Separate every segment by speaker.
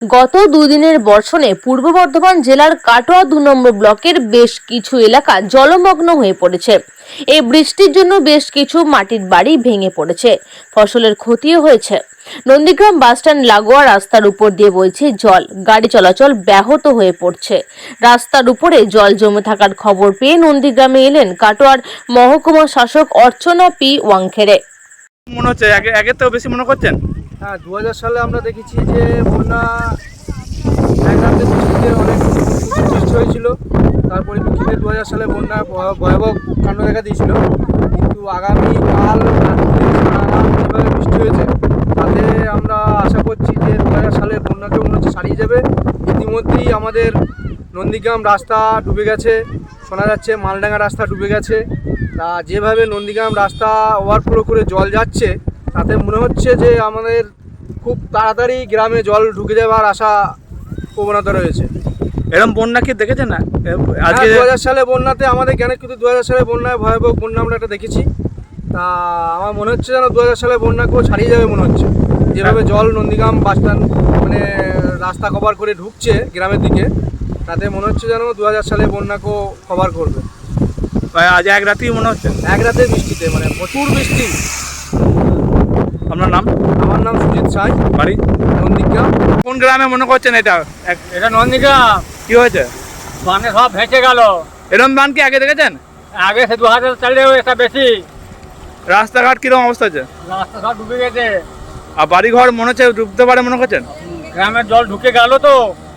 Speaker 1: গত দুদিনের বর্ষণে পূর্ব বর্ধমান জেলার কাটোয়া ২ নম্বর ব্লকের বেশ কিছু এলাকা জলমগ্ন হয়ে পড়েছে। এই বৃষ্টির জন্য বেশ কিছু মাটির বাড়ি ভেঙে পড়েছে, ফসলের ক্ষতিও হয়েছে। নন্দীগ্রাম বাসস্ট্যান্ড লাগোয়া রাস্তার উপর দিয়ে বইছে জল, গাড়ি চলাচল ব্যাহত হয়ে পড়ছে। রাস্তার উপরে জল জমে থাকার খবর পেয়ে নন্দীগ্রামে এলেন কাটোয়ার মহকুমা শাসক অর্চনা পি ওয়াংখেড়ে।
Speaker 2: মনে হচ্ছে আগে তো বেশি মনে করছেন।
Speaker 3: হ্যাঁ, 2000 সালে আমরা দেখেছি যে বন্যা এক রাতে বৃষ্টিতে অনেক বৃষ্টি হয়েছিল। তারপরে 2000 সালে বন্যা ভয়াবহ কাণ্ড দেখা দিয়েছিল। কিন্তু আগামী কাল যেভাবে বৃষ্টি হয়েছে তাতে আমরা আশা করছি যে 2000 সালে বন্যাকে মনে হচ্ছে সারিয়ে যাবে। ইতিমধ্যেই আমাদের নন্দীগ্রাম রাস্তা ডুবে গেছে, শোনা যাচ্ছে মালডাঙ্গা রাস্তা ডুবে গেছে। তা যেভাবে নন্দীগ্রাম রাস্তা ওভারফ্লো করে জল যাচ্ছে তাতে মনে হচ্ছে যে আমাদের খুব তাড়াতাড়ি গ্রামে জল ঢুকে যাওয়ার আশা প্রবণতা রয়েছে।
Speaker 2: এরকম বন্যা কি দেখেছেন না
Speaker 3: আজকে 2000 সালে বন্যাতে আমাদের জ্ঞানে কিন্তু 2000 সালে বন্যায় ভয়াবহ বন্যা আমরা একটা দেখেছি। তা আমার মনে হচ্ছে যেন 2000 সালে বন্যাকেও ছাড়িয়ে যাবে মনে হচ্ছে। যেভাবে জল নন্দীগ্রাম বাসস্ট্যান্ড মানে রাস্তা কভার করে ঢুকছে গ্রামের দিকে, তাতে মনে হচ্ছে যেন 2000 সালে বন্যাকেও কভার করবে।
Speaker 2: আজ এক রাতেই মনে হচ্ছে,
Speaker 3: এক রাতের বৃষ্টিতে মানে প্রচুর বৃষ্টি।
Speaker 2: আপনার নাম?
Speaker 3: আমার নাম সুজিত সাঁই,
Speaker 2: বাড়ি
Speaker 3: নন্দীগ্রাম।
Speaker 2: কোন গ্রামে মনে করছেন এটা?
Speaker 4: এটা নন্দীগ্রাম।
Speaker 2: কি হয়েছে?
Speaker 4: বানে সব ভেসে গেল।
Speaker 2: এরকম বান কি আগে দেখেছেন?
Speaker 4: আগে সে 2000 সালেও এটা বেশি।
Speaker 2: রাস্তাঘাট কিরকম অবস্থা আছে?
Speaker 4: রাস্তা সব ডুবে গেছে,
Speaker 2: আর বাড়ি ঘর মনে হচ্ছে ডুবতে পারে মনে করছেন?
Speaker 4: গ্রামের জল ঢুকে গেল তো।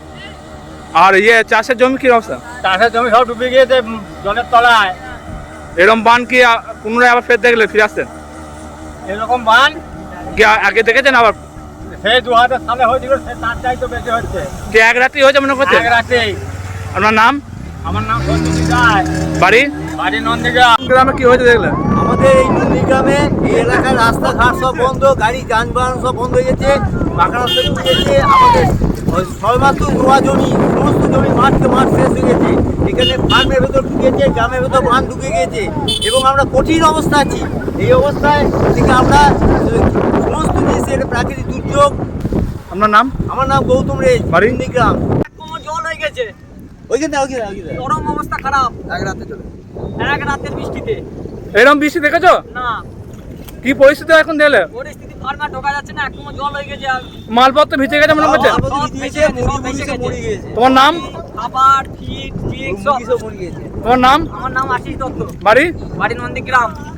Speaker 2: আর চাষের জমি কি অবস্থা?
Speaker 4: চাষের জমি সব ডুবে গিয়েছে জলের তলায়।
Speaker 2: এরকম বান কি পুনরায় আবার ফের দেখলে ফিরে আসছেন?
Speaker 4: এরকম বান
Speaker 2: কি আগে দেখেছেন? আবার
Speaker 4: সে 2000 সালে হয়েছিল, সে তার চাইতে বেশি হচ্ছে।
Speaker 2: কি এক রাতেই হয়েছে মনে করছেন?
Speaker 4: এক রাতেই।
Speaker 2: আপনার নাম?
Speaker 4: আমার নাম সঞ্জিত রায়,
Speaker 2: বাড়ি
Speaker 4: বাড়ি নন্দীগ্রাম।
Speaker 2: গ্রামে কি হয়েছে দেখলেন?
Speaker 5: আমাদের এই নন্দীগ্রামে এই এলাকার রাস্তাঘাট সব বন্ধ, গাড়ি যানবাহন সব বন্ধ হয়ে গেছে, পাকা রাস্তা ঢুকে গেছে। আমাদের সবেমাত্র নোয়া জমি, সমস্ত জমি মাঠকে মাঠ শেষ হয়ে গেছে। এখানে ফার্মের ভেতর ঢুকেছে, গ্রামের ভেতর বাঁধ ঢুকে গেছে এবং আমরা কঠিন অবস্থা আছি। এই অবস্থায় থেকে আমরা সমস্ত জিনিসের প্রাকৃতিক দুর্যোগ।
Speaker 2: আপনার নাম?
Speaker 5: আমার নাম গৌতম রে,
Speaker 2: বাড়ি?
Speaker 5: নন্দীগ্রাম।
Speaker 4: জল হয়ে গেছে,
Speaker 5: ওইখানে
Speaker 4: চরম অবস্থা খারাপ।
Speaker 5: এক রাতে চলে
Speaker 4: এক রাতের বৃষ্টিতে।
Speaker 2: এরকম বৃষ্টি দেখেছো?
Speaker 4: না,
Speaker 2: কি পরিস্থিতি এখন দেখলে?
Speaker 4: পরিস্থিতি ফার্মা ঢোকা যাচ্ছে না, একদম জল হয়ে গেছে।
Speaker 2: মালপত্র ভিজে গেছে মনে করছেন? তোমার নাম?
Speaker 4: খাবার, ফিট, সব
Speaker 5: মরে গেছে।
Speaker 2: তোমার নাম?
Speaker 4: আমার নাম আশিস দত্ত,
Speaker 2: বাড়ি?
Speaker 4: বাড়ি নন্দীগ্রাম।